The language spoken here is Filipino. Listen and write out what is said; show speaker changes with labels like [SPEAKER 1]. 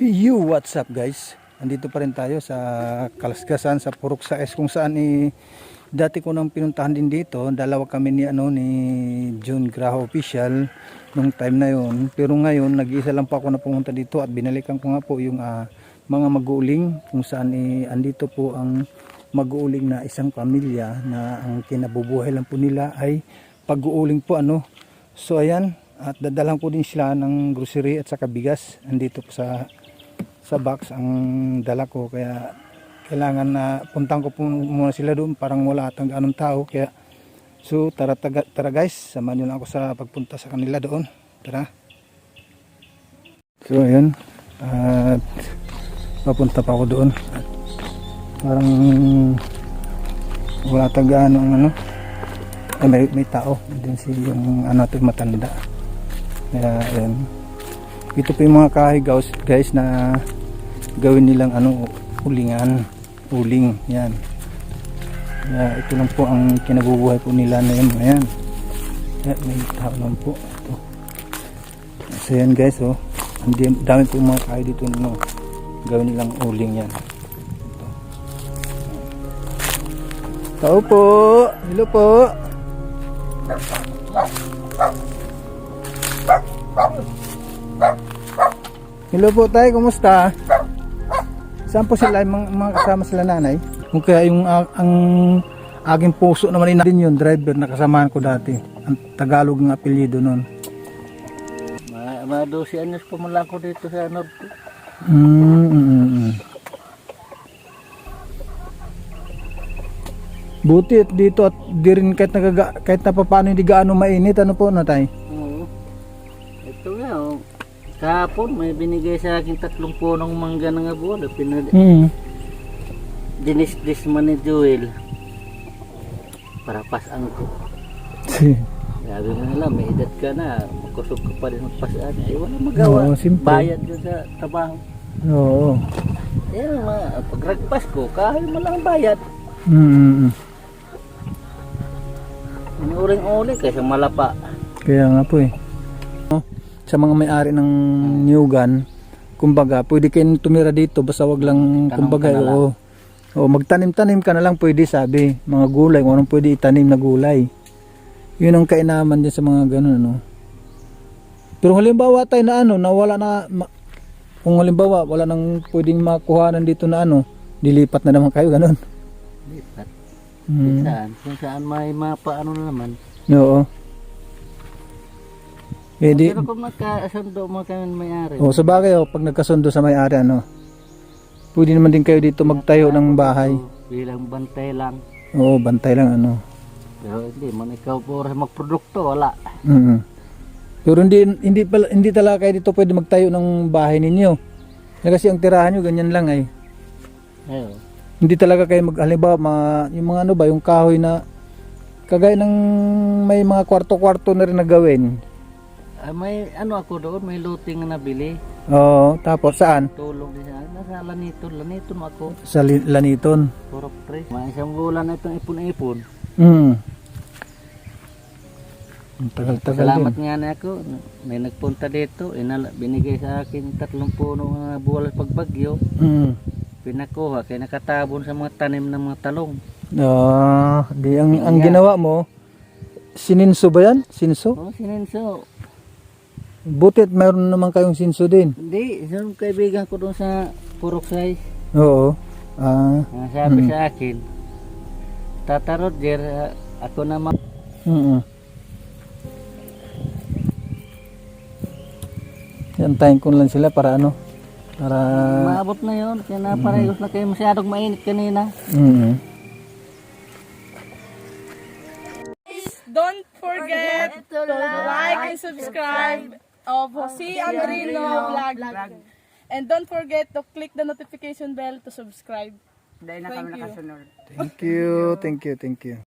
[SPEAKER 1] Yo, what's up guys? Andito pa rin tayo sa Kalasgasan sa Purok Sais kung saan dati ko nang pinuntahan din dito. Dalawa kami ni June Graho official nung time na yon. Pero ngayon nag-iisa lang pa ako na pumunta dito at binalikan ko nga po yung mga mag-uuling kung saan andito po ang mag-uuling na isang pamilya na ang kinabubuhay lang po nila ay pag-uuling po So ayan, at dadalang ko din sila ng grocery at saka bigas. Andito po sa box ang dala ko, kaya kailangan na puntahan ko po muna sila doon, parang wala atang ganong tao. Kaya so tara guys, samahan niyo lang ako sa pagpunta sa kanila doon. Tara. So ayun, at papunta pa ako doon. Parang wala atang ganong may tao din si yung matanda. Kaya ayun, ito po yung mga kahoy guys na gawin nilang uling yan. Kaya ito lang po ang kinabubuhay po nila na yun. Ayan, may tao lang po ito. So yan guys, ang dami po mga kahoy dito gawin nilang uling yan. Ito. Tao po, hello po. Hello po tayo, kumusta? Saan po sila, mga kasama sila nanay? Kung kaya yung ang aking puso naman din yung driver na kasamahan ko dati. Ang Tagalog ng apelyido nun.
[SPEAKER 2] Mga 12 anyos pa mula ko dito sa Norte.
[SPEAKER 1] Buti at dito at di rin kahit na paano hindi gaano mainit. Ano po na tayo?
[SPEAKER 2] Oo. Ito nga kahapon may binigay sa akin 3 punong mangga ng abono. Dinis-dis man ni Joel para pasang ko. Sabi mo nila, may edad ka na, magkusog ka pa rin magpasaan. Ay wala magawa. Bayad yun sa trabaho.
[SPEAKER 1] Oo.
[SPEAKER 2] Yan pagragpas ko, kahit mo lang bayad. Uring-uli kaysa malapa.
[SPEAKER 1] Kaya nga po sa mga may-ari ng New Gun, kumbaga pwede kayong tumira dito basta wag lang kumbaga magtanim-tanim ka na lang pwede, sabi mga gulay, kung anong pwede itanim na gulay, yun ang kainaman din sa mga ganun Pero halimbawa tayo na nawala na kung halimbawa wala nang pwedeng makuhanan dito na dilipat na naman kayo ganun.
[SPEAKER 2] Lipat. Kung saan may mapaano na naman.
[SPEAKER 1] Oo.
[SPEAKER 2] Pero kung magkasundo mo kami may-ari.
[SPEAKER 1] Sa bagay pag nagkasundo sa may-ari pwede naman din kayo dito magtayo ng bahay.
[SPEAKER 2] Bilang bantay lang.
[SPEAKER 1] Oo, bantay lang
[SPEAKER 2] Pero hindi man ikaw po magprodukto, wala.
[SPEAKER 1] Pero hindi talaga kayo dito pwede magtayo ng bahay ninyo. Kasi ang tirahan nyo ganyan lang
[SPEAKER 2] Ayun.
[SPEAKER 1] Hindi talaga kayo halimbawa yung mga yung kahoy na kagaya ng may mga kwarto-kwarto na rin na gawin.
[SPEAKER 2] May ako doon, may looting na nabili.
[SPEAKER 1] Oo, tapos saan?
[SPEAKER 2] Tulong din nasa Laniton ako.
[SPEAKER 1] Sa Laniton.
[SPEAKER 2] Purok 3. May isang bulan na itong ipon-ipon.
[SPEAKER 1] Tagal-tagal
[SPEAKER 2] Salamat
[SPEAKER 1] din.
[SPEAKER 2] nga na ako. May nagpunta dito, binigay sa akin 3 puno ng buwal pagbagyo. Pinakuha, kaya nakatabon sa mga tanim ng mga talong.
[SPEAKER 1] Ang ginawa mo, sininso ba yan? Sinso?
[SPEAKER 2] Oo, sininso.
[SPEAKER 1] Butit mayroon naman kayong sinso din.
[SPEAKER 2] Hindi, isang kaibigan ko doon sa Purok Sais.
[SPEAKER 1] Oo.
[SPEAKER 2] Sabi sa akin, Tata Roger, ako naman.
[SPEAKER 1] Antayin ko lang sila para para
[SPEAKER 2] maabot na yun, kaya naparayos na kayo, masyadong mainit kanina.
[SPEAKER 3] Don't forget to like and subscribe of Jose Andrino Vlog. And don't forget to click the notification bell to subscribe.
[SPEAKER 1] Thank you.